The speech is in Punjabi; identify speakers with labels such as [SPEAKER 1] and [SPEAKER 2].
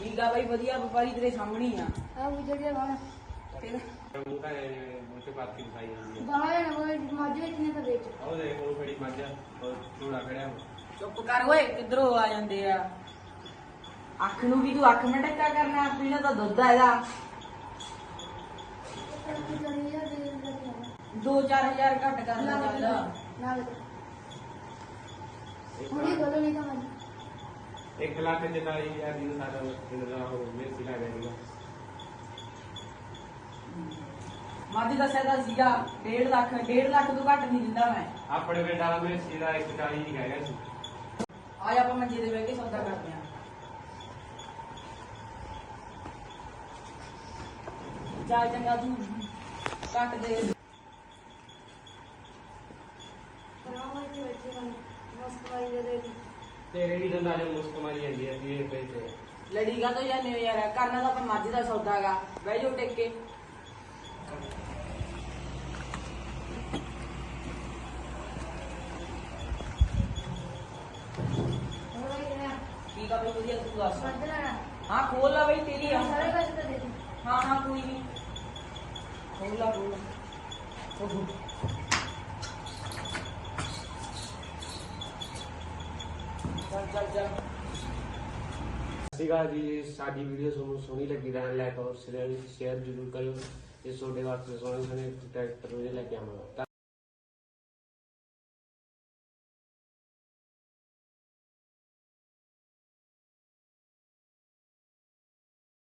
[SPEAKER 1] ਠੀਕ ਆ ਬਾਈ ਵਧੀਆ ਵਪਾਰੀ ਤੇਰੇ ਸਾਹਮਣੇ ਹੀ ਆ
[SPEAKER 2] ਆ ਵਿਜੜ ਗਿਆ ਬਾਹਰ
[SPEAKER 1] ਤੇਰਾ
[SPEAKER 3] ਉਹ ਤਾਂ ਮੁੱਛ ਪਾਤੀ ਖਾਈ ਜਾਂਦੀ ਹੈ
[SPEAKER 2] ਬਾਹਰ ਨਾ ਬਾਹਰ ਮੱਝ ਵੇਚਣੇ ਤਾਂ ਵੇਚ
[SPEAKER 3] ਉਹ ਦੇਖ ਉਹ ਖੜੀ ਮੱਝ ਉਹ ਝੋਲਾ ਖੜਿਆ
[SPEAKER 1] ਚੁੱਪ ਕਰ ਓਏ ਕਿੱਧਰੋਂ ਆ ਜਾਂਦੇ ਆ ਅੱਖ ਨੂੰ ਵੀ ਤੂੰ ਅੱਖ ਮਟਕਾ ਕਰਨਾ ਪੀਣਾ ਤਾਂ ਦੁੱਧ ਆ ਇਹਦਾ 2-4000 ਘੱਟ ਕਰ ਲੈ ਚੱਲ
[SPEAKER 2] ਨਾਲ ਹੁਣੇ ਬੋਲੋ ਨਹੀਂ ਤਾਂ ਮੱਝ
[SPEAKER 3] 1,44,000 ਦੀ ਸਾਡਾ ਇਹਦਾ ਉਹ ਮੇਸੀ ਲੱਗ ਜਾਏਗਾ
[SPEAKER 1] ਮਾਦੀ ਦਾ ਸੈਦਾ ਸੀਗਾ 1.5 ਲੱਖ ਤੋਂ ਘੱਟ ਨਹੀਂ ਦਿੰਦਾ ਮੈਂ
[SPEAKER 3] ਆਪਣੇ ਪਿੰਡ ਵਾਲਾ ਮੇਸੀ ਦਾ 140 ਹੀ ਹੈਗਾ ਸੀ
[SPEAKER 1] ਆਜ ਆਪਾਂ ਮੰਜੇ ਤੇ ਬਹਿ ਕੇ ਸੌਦਾ ਕਰਦੇ ਆਂ ਚੱਲ ਚੰਗਾ ਤੂੰ ਕੱਟ ਦੇ
[SPEAKER 2] ਪਰਾਵਾਂ ਤੇ ਬੈਠੇ ਹਨ ਮਸਤ ਵਾਈ ਦੇ
[SPEAKER 3] ਤੇਰੇ ਵੀ ਦੰਦਾਂ ਜੋ ਮੁਸਕ ਮਾਰੀ ਜਾਂਦੀ ਹੈ ਇਹ ਪੈਸੇ
[SPEAKER 1] ਲੜੀ ਗਾ ਤੋਂ ਜਾਂਦੇ ਹੋ ਯਾਰ ਕਰਨਾ ਤਾਂ ਆਪਾਂ ਮੱਝ ਦਾ ਸੌਦਾ ਹੈਗਾ ਬਹਿ ਜਾਓ ਟਿਕ ਕੇ ਠੀਕ ਆ ਬਈ ਵਧੀਆ ਤੂੰ ਦੱਸ
[SPEAKER 2] ਮੱਝ ਲੈਣਾ
[SPEAKER 1] ਹਾਂ ਖੋਲ ਲਾ ਬਈ ਤੇਰੀ ਆ
[SPEAKER 2] ਸਾਰੇ ਪੈਸੇ ਤਾਂ ਦੇ ਦੇ
[SPEAKER 1] ਹਾਂ ਕੋਈ ਨਹੀਂ ਖੋਲ ਲਾ ਚੱਲ
[SPEAKER 3] ਸੀਗਾ ਜੀ ਸਾਡੀ ਵੀਡੀਓ ਤੁਹਾਨੂੰ ਸੋਹਣੀ ਲੱਗੀ ਤਾਂ ਲਾਈਕ ਔਰ ਸ਼ੇਅਰ ਜ਼ਰੂਰ ਕਰਿਓ ਇਹ ਤੁਹਾਡੇ ਵਾਸਤੇ ਸੋਹਣੇ ਟਰੈਕਟਰ ਲੈ ਕੇ ਆਵਾਂਗਾ।